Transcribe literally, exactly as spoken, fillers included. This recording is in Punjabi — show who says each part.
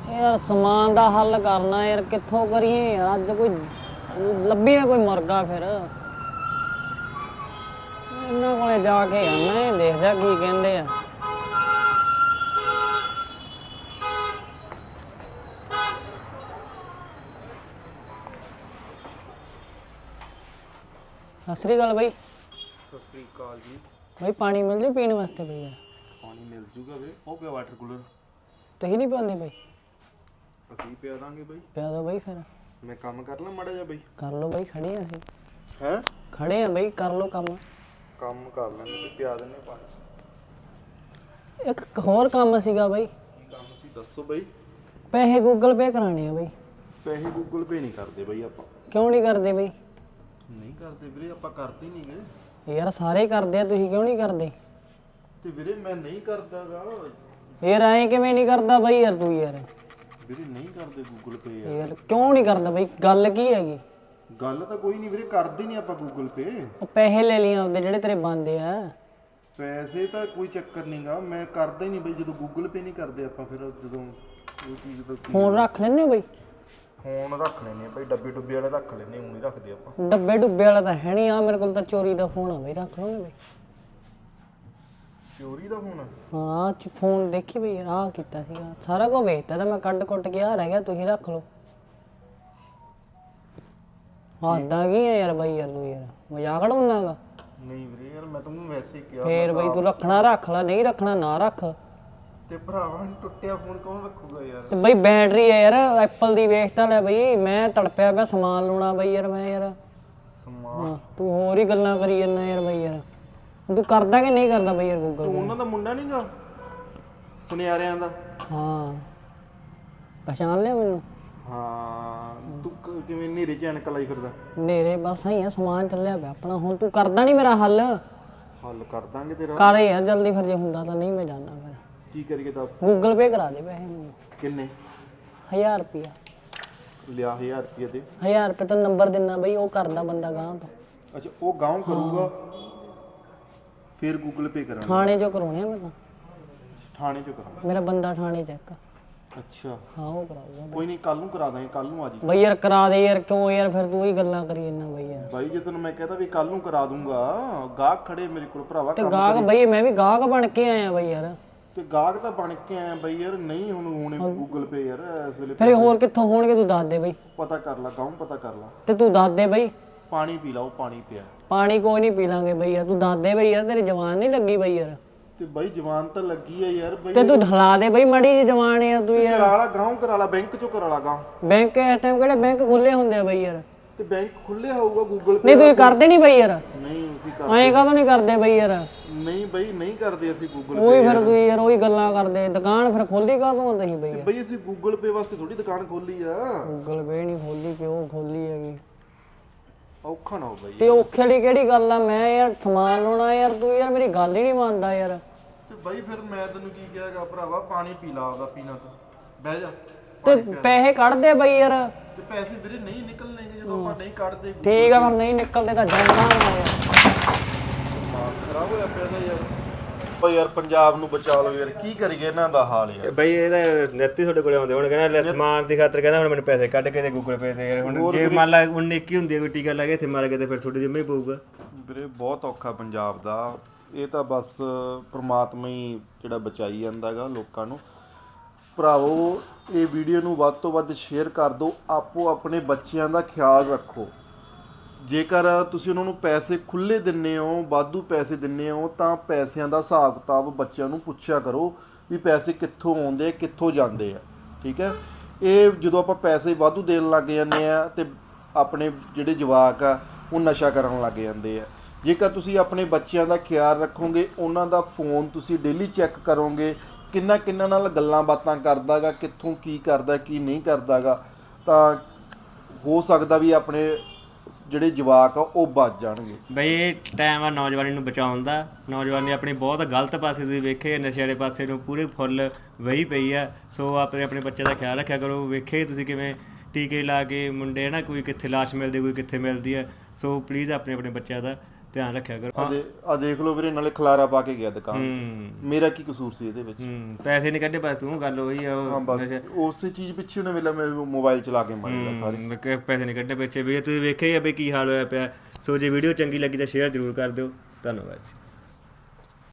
Speaker 1: यार समान दा हल करना यार, कित्थों करिए यार। अज कोई लभी कोई मुर्गा, फिर इन्हां कोले जाके आना, देख जा की कहंदे आ। सत श्री अकाल भाई।
Speaker 2: सत श्री अकाल जी।
Speaker 1: भाई पानी मिल जू पीने वास्ते? भाई यार
Speaker 2: पानी मिल जूगा वे, ਉਹ ਪਿਆ ਵਾਟਰ ਕੂਲਰ।
Speaker 1: ਤੁਸੀਂ ਨਹੀਂ ਪਿਆਉਂਦੇ ਭਾਈ?
Speaker 2: ਅਸੀਂ ਪਿਆ ਦਾਂਗੇ ਬਾਈ।
Speaker 1: ਪਿਆ ਦੋ ਭਾਈ, ਫਿਰ
Speaker 2: ਮੈਂ ਕੰਮ ਕਰ ਲਾਂ ਮਾੜਾ ਜਿਹਾ ਬਾਈ।
Speaker 1: ਕਰ ਲਓ ਭਾਈ, ਖੜੇ ਆ ਅਸੀਂ।
Speaker 2: ਹੈ
Speaker 1: ਖੜੇ ਆ ਭਾਈ, ਕਰ ਲਓ ਕੰਮ।
Speaker 2: ਕੰਮ ਕਰ ਲੈਂਦੇ ਤੇ ਪਿਆ ਦਿੰਨੇ ਪਾਣੀ।
Speaker 1: ਇੱਕ ਹੋਰ ਕੰਮ ਸੀਗਾ ਭਾਈ।
Speaker 2: ਕੀ ਕੰਮ ਸੀ ਦੱਸੋ ਬਾਈ।
Speaker 1: ਪੈਸੇ ਗੂਗਲ ਪੇ ਕਰਾਣੇ ਆ ਭਾਈ।
Speaker 2: ਪੈਸੇ ਗੂਗਲ ਪੇ ਨਹੀਂ ਕਰਦੇ ਬਾਈ ਆਪਾਂ।
Speaker 1: ਕਿਉਂ ਨਹੀਂ ਕਰਦੇ ਭਾਈ?
Speaker 2: ਨਹੀਂ ਕਰਦੇ ਵੀਰੇ, ਆਪਾਂ ਕਰਦੇ ਨਹੀਂ ਗਏ
Speaker 1: ਯਾਰ ਸਾਰੇ ਕਰਦੇ ਆ, ਤੁਸੀਂ ਕਿਉਂ ਨਹੀਂ ਕਰਦੇ?
Speaker 2: ਤੇ ਵੀਰੇ ਮੈਂ ਨਹੀਂ ਕਰਦਾਗਾ।
Speaker 1: ਯਾਰ ਐਂ ਕਿਵੇਂ ਨਹੀਂ ਕਰਦਾ ਬਾਈ? ਯਾਰ ਤੂੰ ਯਾਰ
Speaker 2: ਵੀਰੇ ਨਹੀਂ ਕਰਦੇ ਗੂਗਲ ਪੇ ਯਾਰ।
Speaker 1: ਯਾਰ ਕਿਉਂ ਨਹੀਂ ਕਰਦਾ ਬਾਈ? ਗੱਲ ਕੀ ਹੈਗੀ?
Speaker 2: ਗੱਲ ਤਾਂ ਕੋਈ ਨਹੀਂ ਵੀਰੇ, ਕਰਦੇ ਨਹੀਂ ਆਪਾਂ ਗੂਗਲ ਪੇ।
Speaker 1: ਉਹ ਪੈਸੇ ਲੈ ਲਈ ਆਪਦੇ ਜਿਹੜੇ ਤੇਰੇ ਬਣਦੇ ਆ।
Speaker 2: ਪੈਸੇ ਤਾਂ ਕੋਈ ਚੱਕਰ ਨਹੀਂਗਾ, ਮੈਂ ਕਰਦਾ ਹੀ ਨਹੀਂ ਬਾਈ। ਜਦੋਂ ਗੂਗਲ ਪੇ ਨਹੀਂ ਕਰਦੇ ਆਪਾਂ, ਫਿਰ ਜਦੋਂ ਉਹ ਚੀਜ਼ ਦਾ
Speaker 1: ਫੋਨ ਰੱਖ ਲੈਂਦੇ ਹੋ ਬਾਈ?
Speaker 2: ਫੋਨ ਰੱਖ ਲੈਨੇ ਬਾਈ, ਡੱਬੇ ਡੁੱਬੇ ਵਾਲੇ ਰੱਖ ਲੈਨੇ, ਊਂ ਨਹੀਂ ਰੱਖਦੇ ਆਪਾਂ।
Speaker 1: ਡੱਬੇ ਡੁੱਬੇ ਵਾਲਾ ਤਾਂ ਹੈ ਨਹੀਂ ਆ ਮੇਰੇ ਕੋਲ, ਤਾਂ ਚੋਰੀ ਦਾ ਫੋਨ ਆ ਬਾਈ, ਰੱਖ ਲਓਗੇ ਬਾਈ?
Speaker 2: ਚੋਰੀ ਦਾ ਫੋਨ?
Speaker 1: ਹਾਂ ਚ ਫੋਨ ਦੇਖੀ ਬਈ ਯਾਰ, ਆਹ ਕੀਤਾ ਸੀਗਾ, ਸਾਰਾ ਕੁਝ ਵੇਚਤਾ ਤਾਂ ਮੈਂ ਕੱਢ ਕੁੱਟ ਕੇ ਆ ਰਹਿ ਗਿਆ, ਤੁਸੀਂ ਰੱਖ ਲਓ। ਹੱਦਾਂ ਕੀ ਆ ਯਾਰ ਬਾਈ? ਯਾਰ ਤੂੰ ਯਾਰ ਮਜ਼ਾਕ ਉਡਾਉਂਦਾਗਾ?
Speaker 2: ਨਹੀਂ ਵੀਰੇ ਯਾਰ, ਮੈਂ ਤੈਨੂੰ ਵੈਸੇ ਹੀ ਕਿਹਾ।
Speaker 1: ਫੇਰ ਬਈ ਤੂੰ ਰੱਖਣਾ ਰੱਖ ਲੈ, ਨਹੀਂ ਰੱਖਣਾ ਨਾ ਰੱਖ।
Speaker 2: ਤੇ ਭਰਾਵਾ ਟੁੱਟਿਆ ਫੋਨ ਕੌਣ ਰੱਖੂਗਾ ਯਾਰ?
Speaker 1: ਤੇ ਬਈ ਬੈਟਰੀ ਆ ਯਾਰ ਐਪਲ ਦੀ, ਵੇਖਤਾ ਲੈ ਬਈ। ਮੈਂ ਤੜਪਿਆ ਪਿਆ ਸਮਾਨ ਲਾਉਣਾ ਬਈ ਯਾਰ, ਮੈਂ ਯਾਰ
Speaker 2: ਸਮਾਨ।
Speaker 1: ਤੂੰ ਹੋਰ ਹੀ ਗੱਲਾਂ ਕਰੀ ਜਾਂਦਾ ਯਾਰ ਬਈ। ਯਾਰ ਤੂੰ ਕਰਦਾ ਕਿ ਨਹੀਂ ਕਰਦਾ ਬਈ ਯਾਰ ਗੂਗਲ?
Speaker 2: ਤੂੰ ਉਹਨਾਂ ਦਾ ਮੁੰਡਾ ਨਹੀਂਗਾ ਸੁਨਿਆਰਿਆਂ ਦਾ?
Speaker 1: ਹਾਂ ਪਛਾਣ ਲਿਆ ਮੈਨੂੰ?
Speaker 2: ਹਾਂ। ਤੂੰ ਕ- ਕਿਵੇਂ ਨੇਰੇ ਚ ਐਨਕ ਲਾਈ ਫਿਰਦਾ?
Speaker 1: ਨੇਰੇ ਬਸ ਆਈ ਆ, ਸਮਾਨ ਚੱਲਿਆ ਪਿਆ ਆਪਣਾ। ਹੁਣ ਤੂੰ ਕਰਦਾ ਨਹੀਂ ਮੇਰਾ ਹੱਲ?
Speaker 2: ਹੱਲ ਕਰ ਦਾਂਗੇ ਤੇਰਾ।
Speaker 1: ਕਰ ਯਾਰ ਜਲਦੀ, ਫਿਰ ਜੇ ਹੁੰਦਾ ਤਾਂ ਨਹੀਂ ਮੈਂ ਜਾਣਾ। ਫਿਰ
Speaker 2: ਕੀ ਕਰੀਏ ਦੱਸ?
Speaker 1: ਗੂਗਲ ਪੇ ਕਰਾ ਦੇ ਪੈਸੇ ਮੈਨੂੰ।
Speaker 2: ਕਿੰਨੇ?
Speaker 1: ਹਜ਼ਾਰ ਰੁਪਿਆ।
Speaker 2: ਲਿਆ ਹਜ਼ਾਰ ਰੁਪਏ ਦੇ।
Speaker 1: ਹਜ਼ਾਰ ਰੁਪਏ ਤੋਂ ਨੰਬਰ ਦਿੰਦਾ ਬਈ, ਉਹ ਕਰਦਾ ਬੰਦਾ ਗਾਂ ਤੋਂ।
Speaker 2: ਅੱਛਾ ਉਹ ਗਾਉਂ ਕਰੂਗਾ, ਫਿਰ ਗੂਗਲ ਪੇ ਕਰਾਂਗੇ।
Speaker 1: ਥਾਣੇ ਚੋਂ ਕਰਾਉਣੇ ਆ ਮੈਂ ਤਾਂ।
Speaker 2: ਥਾਣੇ ਚੋਂ ਕਰਾਂਗੇ?
Speaker 1: ਮੇਰਾ ਬੰਦਾ ਥਾਣੇ ਚ ਇੱਕ।
Speaker 2: ਅੱਛਾ
Speaker 1: ਹਾਂ ਉਹ ਕਰਾਊਗਾ
Speaker 2: ਕੋਈ ਨਹੀਂ, ਕੱਲ ਨੂੰ ਕਰਾ ਦਾਂਗੇ। ਕੱਲ ਨੂੰ ਆ ਜੀ
Speaker 1: ਬਈ ਯਾਰ, ਕਰਾ ਦੇ ਯਾਰ। ਕਿਉਂ ਯਾਰ ਫਿਰ ਤੂੰ ਹੀ ਗੱਲਾਂ ਕਰੀ ਜਾਂਦਾ ਬਈ ਯਾਰ।
Speaker 2: ਬਾਈ ਜੇ ਤੈਨੂੰ ਮੈਂ ਕਹਤਾ ਵੀ ਕੱਲ ਨੂੰ ਕਰਾ ਦੂੰਗਾ, ਗਾਹਕ ਖੜੇ ਮੇਰੇ ਕੋਲ ਭਰਾਵਾ।
Speaker 1: ਤੇ ਗਾਹਕ ਬਈ, ਮੈਂ ਵੀ ਗਾਹਕ ਬਣ ਕੇ ਆਇਆ ਬਈ ਯਾਰ।
Speaker 2: ਤੇ ਗਾਹਕ ਤਾਂ ਬਣ ਕੇ ਆਇਆ ਬਈ ਯਾਰ। ਨਹੀਂ ਹੁਣ ਹੁਣ ਗੂਗਲ ਪੇ ਯਾਰ ਇਸ ਵੇਲੇ।
Speaker 1: ਫਿਰ ਹੋਰ ਕਿੱਥੋਂ ਹੋਣਗੇ ਤੂੰ ਦੱਸ ਦੇ ਬਈ।
Speaker 2: ਪਤਾ ਕਰ ਲਾ ਗਾਉਂ, ਪਤਾ ਕਰ ਲਾ।
Speaker 1: ਤੇ ਤੂੰ ਦੱਸ ਦੇ ਬਈ।
Speaker 2: ਪਾਣੀ ਪੀ ਲਾ, ਉਹ ਪਾਣੀ ਪਿਆ।
Speaker 1: ਪਾਣੀ ਕੋਈ ਨਹੀਂ ਪੀ ਲਾਂਗੇ ਬਈ ਯਾਰ, ਤੂੰ ਦੱਸ ਦੇ ਬਈ ਯਾਰ। ਤੇਰੀ ਜਵਾਨ ਨਹੀਂ ਲੱਗੀ ਬਈ ਯਾਰ?
Speaker 2: ਤੇ ਬਾਈ ਜਵਾਨ ਤਾਂ ਲੱਗੀ ਆ ਯਾਰ ਬਈ।
Speaker 1: ਤੇ ਤੂੰ ਢਲਾ ਦੇ ਬਈ, ਮੜੀ ਜੀ ਜਵਾਨ ਆ ਤੂੰ ਯਾਰ।
Speaker 2: ਕਰਾ ਲਾ ਗਾਉਂ, ਕਰਾ ਲਾ ਬੈਂਕ ਚੋਂ ਕਰਾ ਲਾ ਗਾਉਂ।
Speaker 1: ਬੈਂਕ ਇਸ ਟਾਈਮ ਕਿਹੜੇ ਬੈਂਕ ਖੁੱਲੇ ਹੁੰਦੇ ਆ ਬਈ ਯਾਰ?
Speaker 2: ਤੇ ਬੈਂਕ ਖੁੱਲਿਆ ਹੋਊਗਾ ਗੂਗਲ ਪੇ?
Speaker 1: ਨਹੀਂ ਤੁਸੀਂ ਕਰਦੇ ਨਹੀਂ ਬਈ ਯਾਰ?
Speaker 2: ਨਹੀਂ ਅਸੀਂ ਕਰ
Speaker 1: ਐਂ ਕਾਹਤੋਂ ਨਹੀਂ ਕਰਦੇ ਬਈ ਯਾਰ?
Speaker 2: ਨਹੀਂ ਬਈ ਨਹੀਂ ਕਰਦੇ ਅਸੀਂ ਗੂਗਲ
Speaker 1: ਉਹੀ
Speaker 2: ਪੇ।
Speaker 1: ਫਿਰ ਤੁਸੀਂ ਯਾਰ ਉਹੀ ਗੱਲਾਂ ਕਰਦੇ। ਦੁਕਾਨ ਫਿਰ ਖੋਲੀ ਕਾਹਤੋਂ ਆ ਤੁਸੀਂ ਬਈ ਯਾਰ?
Speaker 2: ਬਈ ਅਸੀਂ ਗੂਗਲ ਪੇ ਵਾਸਤੇ ਥੋੜੀ ਦੁਕਾਨ ਖੋਲੀ ਆ।
Speaker 1: ਗੂਗਲ ਪੇ ਨਹੀਂ ਖੋਲੀ, ਕਿਉਂ ਖੋਲੀ ਹੈਗੀ?
Speaker 2: ਔਖਾ ਨਾ ਹੋ ਬਈ।
Speaker 1: ਤੇ ਔਖੇ ਦੀ ਕਿਹੜੀ ਗੱਲ ਆ? ਮੈਂ ਯਾਰ ਸਮਾਨ ਲਾਉਣਾ ਯਾਰ, ਤੂੰ ਯਾਰ ਮੇਰੀ ਗੱਲ ਹੀ ਨਹੀਂ ਮੰਨਦਾ ਯਾਰ।
Speaker 2: ਤੇ ਬਾਈ ਫਿਰ ਮੈਂ ਤੈਨੂੰ ਕੀ ਕਿਹਾਗਾ ਭਰਾਵਾ, ਪਾਣੀ ਪੀ ਲਾ ਆਪਦਾ, ਪੀਣਾ ਤਾਂ ਬਹਿ ਜਾ।
Speaker 1: ਤੇ ਪੈਸੇ ਕੱਢ ਦੇ ਬਈ ਯਾਰ।
Speaker 2: ਤੇ ਪੈਸੇ ਵੀਰੇ ਨਹੀਂ ਨਿਕਲਣਗੇ ਜਦੋਂ ਆਪਾਂ ਨਹੀਂ ਕੱਢਦੇ।
Speaker 1: ਠੀਕ ਆ ਫਿਰ ਨਹੀਂ ਨਿਕਲਦੇ ਤਾਂ ਜਾਣਾ ਨਾ ਯਾਰ।
Speaker 2: ਦਿਮਾਗ ਖਰਾਬ ਹੋਇਆ ਪਿਆ ਦਾ ਯਾਰ। ਓ ਯਾਰ ਪੰਜਾਬ ਨੂੰ ਬਚਾ ਲਓ ਯਾਰ, ਕੀ ਕਰੀਏ ਇਹਨਾਂ ਦਾ ਹਾਲ ਯਾਰ।
Speaker 3: ਬਈ ਇਹਦਾ ਨੈਤੀ ਤੁਹਾਡੇ ਕੋਲੇ ਆਉਂਦੇ ਹੁਣ, ਕਹਿੰਦਾ ਲੈ ਸਮਾਨ ਦੀ ਖਾਤਰ ਕਹਿੰਦਾ ਹੁਣ ਮੈਨੂੰ ਪੈਸੇ ਕੱਢ ਕੇ ਦੇ ਗੂਗਲ ਪੇ ਤੇ। ਯਾਰ ਹੁਣ ਜੇ ਮੰਨ ਲਾ ਹੁਣ ਨਿੱਕੀ ਹੁੰਦੀ ਹੈ ਕੋਈ ਟੀਕਾ ਲਾ ਕੇ ਇੱਥੇ ਮਾਰ ਕੇ ਤੇ ਫਿਰ ਤੁਹਾਡੇ ਜਿੰਮੇ ਹੀ ਪਊਗਾ
Speaker 2: ਵੀਰੇ। ਬਹੁਤ ਔਖਾ ਪੰਜਾਬ ਦਾ। ਇਹ ਤਾਂ ਬਸ ਪ੍ਰਮਾਤਮਾ ਹੀ ਜਿਹੜਾ ਬਚਾਈ ਜਾਂਦਾ ਗਾ ਲੋਕਾਂ ਨੂੰ। ਭਰਾਵੋ ਇਹ ਵੀਡੀਓ ਨੂੰ ਵੱਧ ਤੋਂ ਵੱਧ ਸ਼ੇਅਰ ਕਰ ਦਿਓ। ਆਪੋ ਆਪਣੇ ਬੱਚਿਆਂ ਦਾ ਖਿਆਲ ਰੱਖੋ। ਜੇਕਰ ਤੁਸੀਂ ਉਹਨਾਂ ਨੂੰ ਪੈਸੇ ਖੁੱਲ੍ਹੇ ਦਿੰਦੇ ਹੋ, ਵਾਧੂ ਪੈਸੇ ਦਿੰਦੇ ਹੋ, ਤਾਂ ਪੈਸਿਆਂ ਦਾ ਹਿਸਾਬ ਕਿਤਾਬ ਬੱਚਿਆਂ ਨੂੰ ਪੁੱਛਿਆ ਕਰੋ ਵੀ ਪੈਸੇ ਕਿੱਥੋਂ ਆਉਂਦੇ, ਕਿੱਥੋਂ ਜਾਂਦੇ ਆ। ਠੀਕ ਹੈ। ਇਹ ਜਦੋਂ ਆਪਾਂ ਪੈਸੇ ਵਾਧੂ ਦੇਣ ਲੱਗ ਜਾਂਦੇ ਆ ਤੇ ਆਪਣੇ ਜਿਹੜੇ ਜਵਾਕ ਆ ਉਹ ਨਸ਼ਾ ਕਰਨ ਲੱਗ ਜਾਂਦੇ ਆ। ਜੇਕਰ ਤੁਸੀਂ ਆਪਣੇ ਬੱਚਿਆਂ ਦਾ ਖਿਆਲ ਰੱਖੋਗੇ, ਉਹਨਾਂ ਦਾ ਫੋਨ ਤੁਸੀਂ ਡੇਲੀ ਚੈੱਕ ਕਰੋਗੇ, ਕਿੰਨਾ ਕਿੰਨਾ ਨਾਲ ਗੱਲਾਂ ਬਾਤਾਂ ਕਰਦਾ ਗਾ, ਕਿੱਥੋਂ ਕੀ ਕਰਦਾ ਕੀ ਨਹੀਂ ਕਰਦਾ ਗਾ, ਤਾਂ ਹੋ ਸਕਦਾ ਵੀ ਆਪਣੇ ਜਿਹੜੇ ਜਵਾਕ ਆ ਉਹ ਬਚ ਜਾਣਗੇ।
Speaker 3: ਬਈ ਇਹ ਟਾਈਮ ਆ ਨੌਜਵਾਨੀ ਨੂੰ ਬਚਾਉਣ ਦਾ। ਨੌਜਵਾਨੀ ਆਪਣੀ ਬਹੁਤ ਗਲਤ ਪਾਸੇ ਤੁਸੀਂ ਵੇਖੇ, ਨਸ਼ੇ ਵਾਲੇ ਪਾਸੇ ਨੂੰ ਪੂਰੇ ਫੁੱਲ ਵਹੀ ਪਈ ਆ। ਸੋ ਆਪਣੇ ਆਪਣੇ ਬੱਚੇ ਦਾ ਖਿਆਲ ਰੱਖਿਆ ਕਰੋ। ਵੇਖੇ ਤੁਸੀਂ ਕਿਵੇਂ ਟੀਕੇ ਲਾ ਕੇ ਮੁੰਡੇ ਨਾ, ਕੋਈ ਕਿੱਥੇ ਲਾਸ਼ ਮਿਲਦੀ, ਕੋਈ ਕਿੱਥੇ ਮਿਲਦੀ ਹੈ। ਸੋ ਪਲੀਜ਼ ਆਪਣੇ ਆਪਣੇ ਬੱਚਿਆਂ ਦਾ ਧਿਆਨ ਰੱਖਿਆ ਕਰੋ।
Speaker 2: ਆ ਦੇ ਆ ਦੇਖ ਲਓ ਵੀਰੇ, ਨਾਲੇ ਖਲਾਰਾ ਪਾ ਕੇ ਗਿਆ ਦੁਕਾਨ ਤੇ।
Speaker 3: ਹੂੰ
Speaker 2: ਮੇਰਾ ਕੀ ਕਸੂਰ ਸੀ ਇਹਦੇ ਵਿੱਚ?
Speaker 3: ਹੂੰ ਪੈਸੇ ਨਹੀਂ ਕੱਢੇ ਬਸ ਤੂੰ, ਗੱਲ ਉਹੀ ਆ
Speaker 2: ਹਾਂ
Speaker 3: ਉਹ
Speaker 2: ਬਸ ਉਸੇ ਚੀਜ਼ ਪਿੱਛੇ ਉਹਨੇ ਵੇਲਾ ਮੈਂ ਮੋਬਾਈਲ ਚਲਾ ਕੇ ਮਾਰਿਆ ਸਾਰੇ।
Speaker 3: ਹੂੰ, ਕਿ ਪੈਸੇ ਨਹੀਂ ਕੱਢੇ ਪਿੱਛੇ ਵੀ। ਤੁਸੀਂ ਵੇਖਿਆ ਹੀ ਆ ਵੀ ਕੀ ਹਾਲ ਹੋਇਆ ਪਿਆ। ਸੋ ਜੇ ਵੀਡੀਓ ਚੰਗੀ ਲੱਗੀ ਤਾਂ ਸ਼ੇਅਰ ਜ਼ਰੂਰ ਕਰ ਦਿਓ। ਧੰਨਵਾਦ ਜੀ।